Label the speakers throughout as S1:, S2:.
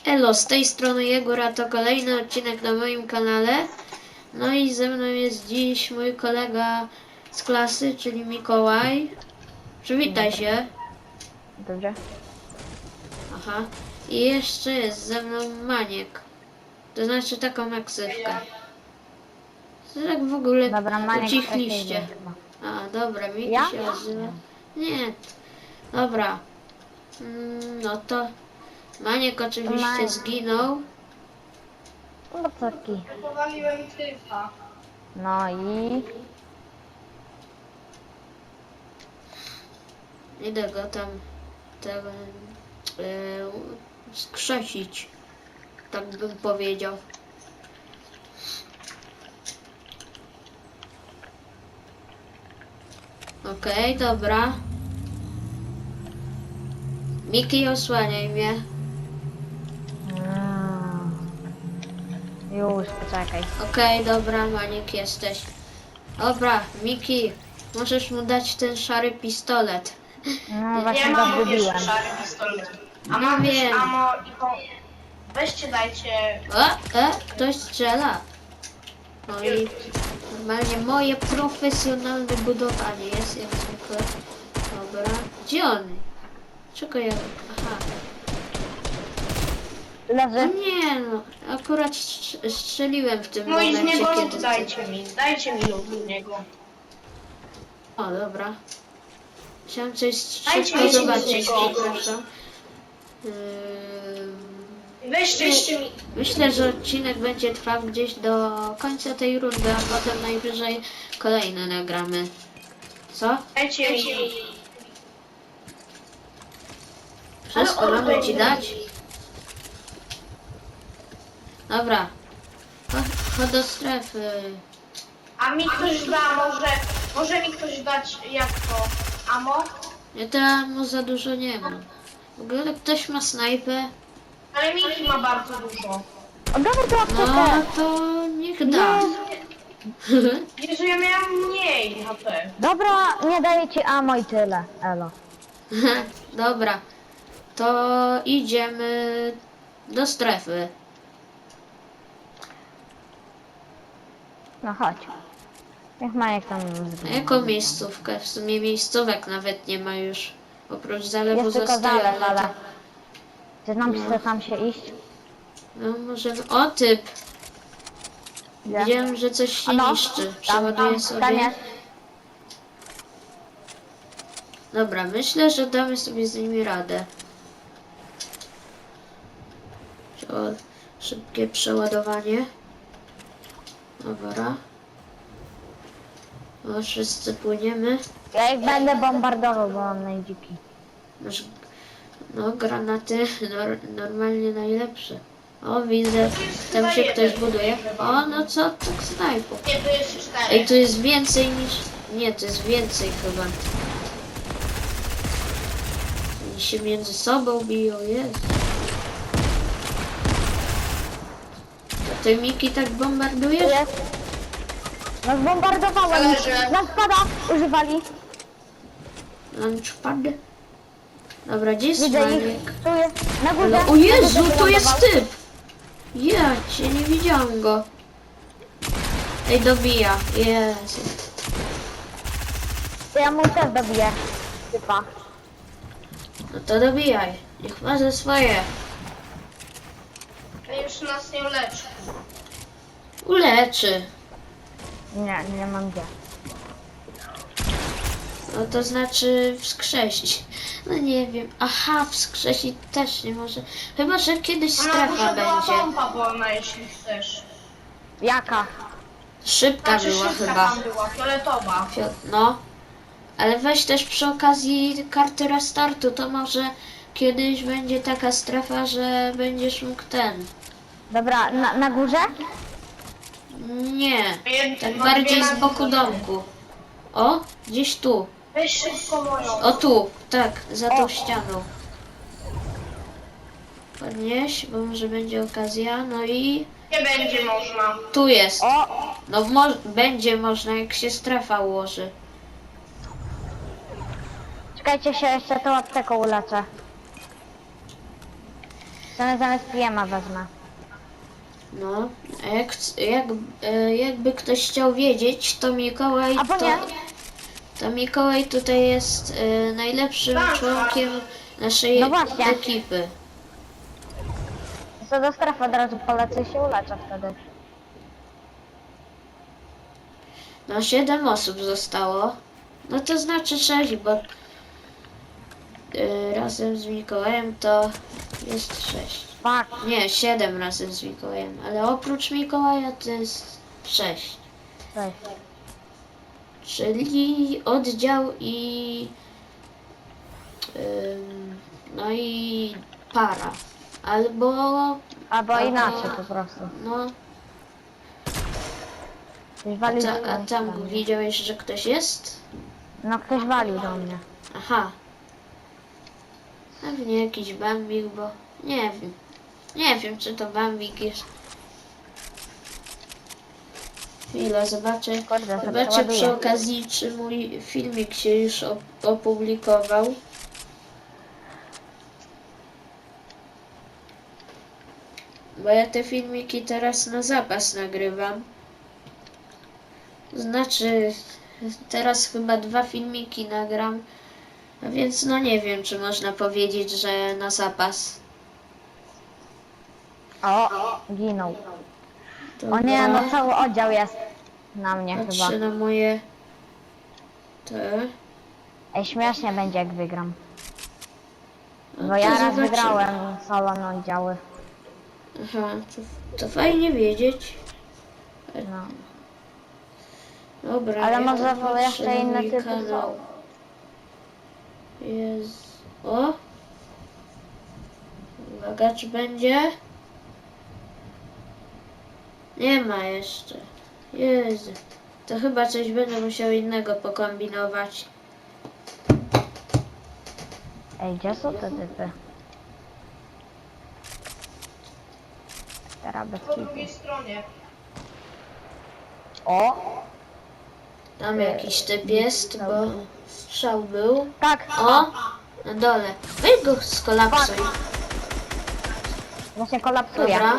S1: Elo, z tej strony Jegora, to kolejny odcinek na moim kanale. No i ze mną jest dziś mój kolega z klasy, czyli Mikołaj. Przywitaj się.
S2: Dobrze.
S1: Aha. I jeszcze jest ze mną Maniek. To znaczy taką eksywkę. To tak w ogóle
S2: Dobra, Maniek
S1: ucichliście.
S2: wcześniej chyba.
S1: A, dobra, Miki
S2: Ja?
S1: się nazywa. Nie. Dobra. No to Maniek oczywiście
S2: Maniek.
S1: zginął.
S2: No taki.
S3: Powaliłem typa.
S2: No i...
S1: Idę go tam skrzesić, tak bym powiedział. Okej, dobra. Miki, osłaniaj mnie.
S2: Już, poczekaj.
S1: Okej, dobra, Maniek jesteś. Dobra, Miki, możesz mu dać ten szary pistolet.
S2: No
S3: Ja
S2: właśnie go
S3: mam
S2: zgubiłem.
S3: jeszcze szary pistolet. A
S1: No
S3: mam też
S1: wiem.
S3: ammo i weźcie dajcie...
S1: Ktoś strzela. No i normalnie moje profesjonalne budowanie jest jak zwykle. Dobra. Gdzie on? Czego ja... Aha. No
S2: Leży.
S1: nie no. Akurat strzeliłem w tym
S3: No i z
S1: momencie,
S3: niego
S1: kiedy...
S3: lód dajcie mi lód z niego.
S1: O, dobra. Chciałem coś
S3: Dajcie
S1: szybko
S3: mi
S1: zobaczyć,
S3: niego.
S1: przepraszam.
S3: Weźcie mi...
S1: Myślę, że odcinek będzie trwał gdzieś do końca tej rundy, a potem najwyżej kolejny nagramy. Co?
S3: Dajcie mi...
S1: Wszystko
S3: Ale
S1: mamy ci dać? Dobra. Chodź do strefy.
S3: A mi ktoś da, może mi ktoś dać jak to? Ammo?
S1: Ja tam za dużo nie mam. W ogóle ktoś ma snajpę?
S3: Ale Miki ma bardzo dużo.
S2: Oddawaj tą
S1: No
S2: aptekę.
S1: to niech da.
S3: Jezu, ja miałam mniej HP.
S2: Dobra, nie daję ci ammo i tyle. Elo.
S1: Dobra. To idziemy do strefy.
S2: No chodź. Niech Maniek tam
S1: A
S2: zginie.
S1: jaką miejscówkę? W sumie miejscówek nawet nie ma już. Oprócz zalewu
S2: Jest tylko
S1: zostaje,
S2: zalew,
S1: ale
S2: ale...
S1: to...
S2: Czy nam
S1: No.
S2: chce tam się iść?
S1: No możemy... O typ!
S2: Gdzie?
S1: Widziałem, że coś się
S2: A no,
S1: niszczy. Przeładuję
S2: tam
S1: sobie.
S2: jest.
S1: Dobra, myślę, że damy sobie z nimi radę. Szybkie przeładowanie. Dobra. O, wszyscy płyniemy.
S2: Ja ich będę bombardował, bo mam najdziki.
S1: No, granaty normalnie najlepsze. O, widzę, tam się ktoś buduje. O, no co, tak snajpu.
S3: Nie, to jest 4.
S1: Ej, tu jest więcej niż... Nie, to jest więcej chyba. Oni się między sobą biją, jest. A ty, Miki, tak
S2: Tu
S1: bombardujesz?
S2: jest. No zbombardowałem.
S3: Zależy.
S2: Nas spada. Używali.
S1: Launchpad? Dobra, gdzie jest
S2: Widzę ich.
S1: Maniek?
S2: Tu jest. Na górze.
S1: Ale, o Jezu,
S2: Tu
S1: to jest
S2: wylądował.
S1: typ! Ja cię, nie widziałam go. Ej, dobija. Jezu.
S2: To ja mu też dobiję. Typa.
S1: No to dobijaj. Niech ma ze swoje.
S3: To już nas nie leczy.
S1: Uleczy.
S2: Nie, nie mam gdzie.
S1: No to znaczy wskrzesić. No nie wiem. Aha, wskrzesić też nie może. Chyba, że kiedyś
S3: Ona
S1: strefa
S3: może była
S1: będzie.
S3: pompa wolna, jeśli chcesz.
S2: Jaka?
S1: Szybka
S3: Znaczy
S1: była
S3: szybka
S1: chyba.
S3: tam była, fioletowa.
S1: No. Ale weź też przy okazji karty restartu, to może kiedyś będzie taka strefa, że będziesz mógł ten.
S2: Dobra, na górze?
S1: Nie. Tak
S3: Mam
S1: bardziej
S3: dwie
S1: z boku
S3: nogi.
S1: domku. O, gdzieś tu.
S3: Weź szybko moją.
S1: O tu, tak, za tą
S2: O.
S1: ścianą. Podnieś, bo może będzie okazja. No i
S3: Nie będzie można.
S1: tu jest.
S2: O!
S1: No będzie można, jak się strefa ułoży.
S2: Czekajcie się, jeszcze tą apteką uleczę. Zamiast PM-a wezmę.
S1: No, a jakby ktoś chciał wiedzieć, to Mikołaj
S2: Albo nie.
S1: to Mikołaj tutaj jest najlepszym członkiem naszej
S2: No właśnie.
S1: ekipy.
S2: Co do strefy od razu polecę i się uleczę wtedy.
S1: No 7 osób zostało. No to znaczy 6, bo razem z Mikołajem to jest 6.
S2: Fuck.
S1: Nie, 7 razem z Mikołajem, ale oprócz Mikołaja to jest 6.
S2: Cześć.
S1: Czyli oddział no i para. Albo
S2: Albo inaczej po prostu.
S1: no,
S2: Ktoś walił do
S1: a tam
S2: mnie.
S1: widziałeś, że ktoś jest?
S2: No ktoś walił do mnie.
S1: Aha. Pewnie jakiś bambik, bo nie wiem. Nie wiem, czy to bambik jest. Chwila, zobaczę.
S2: Kurde, to
S1: Zobaczę
S2: przeładuję.
S1: przy okazji, czy mój filmik się już opublikował. Bo ja te filmiki teraz na zapas nagrywam. Znaczy, teraz chyba 2 filmiki nagram. A więc no nie wiem, czy można powiedzieć, że na zapas.
S2: O, ginął. O
S1: Dobra.
S2: nie, no cały oddział jest na mnie chyba.
S1: Patrzę na moje... Te...
S2: Ej, śmiesznie będzie jak wygram.
S1: No
S2: Bo
S1: to
S2: ja raz
S1: zobaczymy.
S2: wygrałem solo na oddziały.
S1: Aha, to fajnie wiedzieć.
S2: No.
S1: Dobra,
S2: Ale
S1: ja
S2: może
S1: patrzę
S2: jeszcze
S1: na
S2: inne
S1: mój
S2: typy
S1: kanał. Jest... O! Uwaga, czy będzie? Nie ma jeszcze. Jezu. To chyba coś będę musiał innego pokombinować.
S2: Ej, gdzie są te typy? Teraz bez
S3: Po
S2: kitu.
S3: drugiej stronie.
S2: O!
S1: Tam jakiś typ jest, bo strzał był.
S2: Tak!
S1: O! Na dole. Weź go skolapsuj.
S2: Właśnie kolapsuje.
S1: Dobra.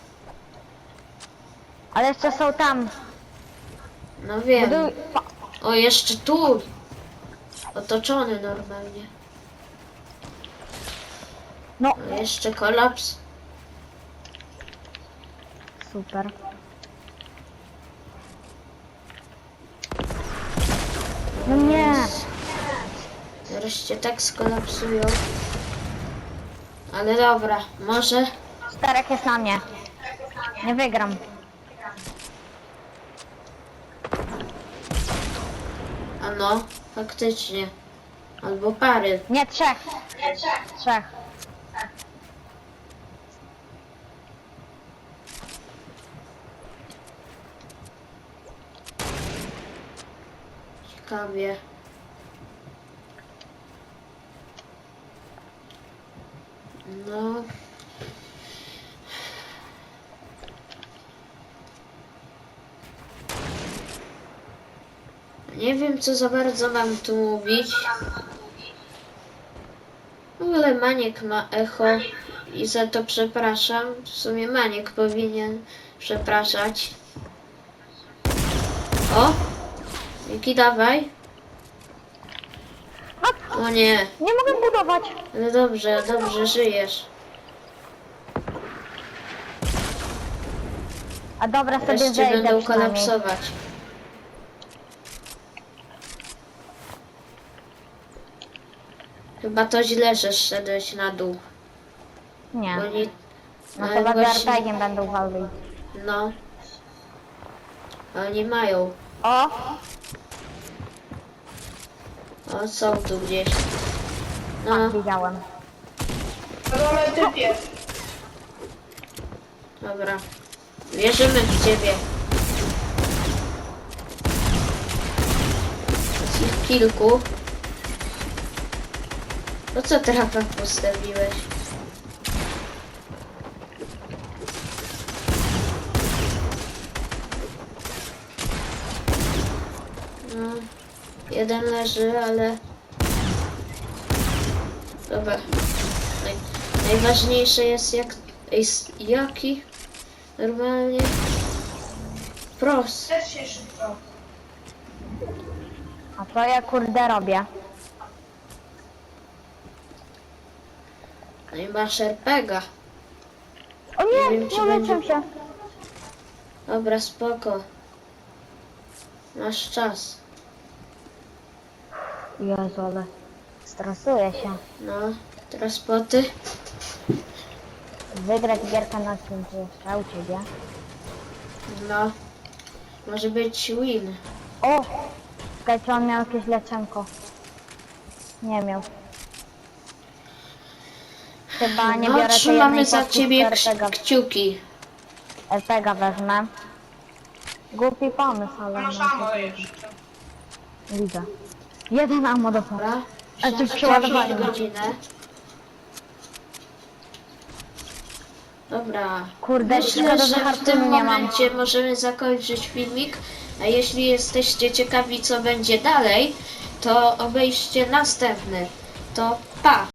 S2: Ale jeszcze są tam.
S1: No wiem.
S2: Buduj...
S1: O, jeszcze tu. Otoczony normalnie.
S2: No,
S1: O, jeszcze kolaps.
S2: super. No nie!
S1: Zaraz cię tak skolapsują. Ale dobra, może.
S2: 4 jest na mnie. Nie wygram.
S1: A no, faktycznie. Albo pary.
S2: Nie, 3. 3.
S1: Ciekawie. No. Nie wiem, co za bardzo mam tu mówić. W ogóle Maniek ma echo i za to przepraszam. W sumie Maniek powinien przepraszać. O! Miki, dawaj. O nie.
S2: Nie mogę budować.
S1: No dobrze, dobrze, żyjesz.
S2: A dobra, sobie
S1: Wreszcie
S2: zejdę
S1: będą
S2: przynajmniej.
S1: kolapsować. Chyba to źle, że szedłeś na dół.
S2: Nie.
S1: Bo nie...
S2: No
S1: ale
S2: chyba z
S1: właśnie-
S2: RPG-iem będą walczyć.
S1: No. Oni mają.
S2: O!
S1: O, są tu gdzieś. No,
S2: Widziałem.
S3: Na dole typ jest.
S1: dobra. Wierzymy w ciebie. Jest ich kilku. Po co trapa postawiłeś? No, jeden leży, ale... Dobra. Najważniejsze jest jaki normalnie prost.
S3: Też się szybko.
S2: A co ja kurde robię?
S1: No i masz RPGa.
S2: O nie,
S1: Nie wiem, czy
S2: nie leczę
S1: będzie-
S2: się.
S1: Dobra, spoko. Masz czas.
S2: Jezu, ale stresuję się.
S1: No, teraz poty.
S2: Wygrać gierkę na tym, co jeszcze u ciebie.
S1: No, może być win.
S2: O! Czekaj, czy on miał jakieś leczenko? Nie miał. Chyba nie
S1: No,
S2: biorę tej
S1: trzymamy
S2: jednej
S1: za
S2: paczki,
S1: ciebie
S2: tylko
S1: kciuki.
S2: RPGa wezmę. Głupi pomysł, ale
S3: Masz
S2: no,
S3: ammo jeszcze.
S2: widzę. Jeden ammo dostał.
S1: Dobra?
S2: A to
S1: Jakąś
S2: przeładowanie.
S1: godzinę. Dobra.
S2: Kurde,
S1: Myślę,
S2: szkoda, że
S1: że w tym
S2: harpunu nie mam.
S1: momencie możemy zakończyć filmik. A jeśli jesteście ciekawi, co będzie dalej, to obejrzcie następny. To pa!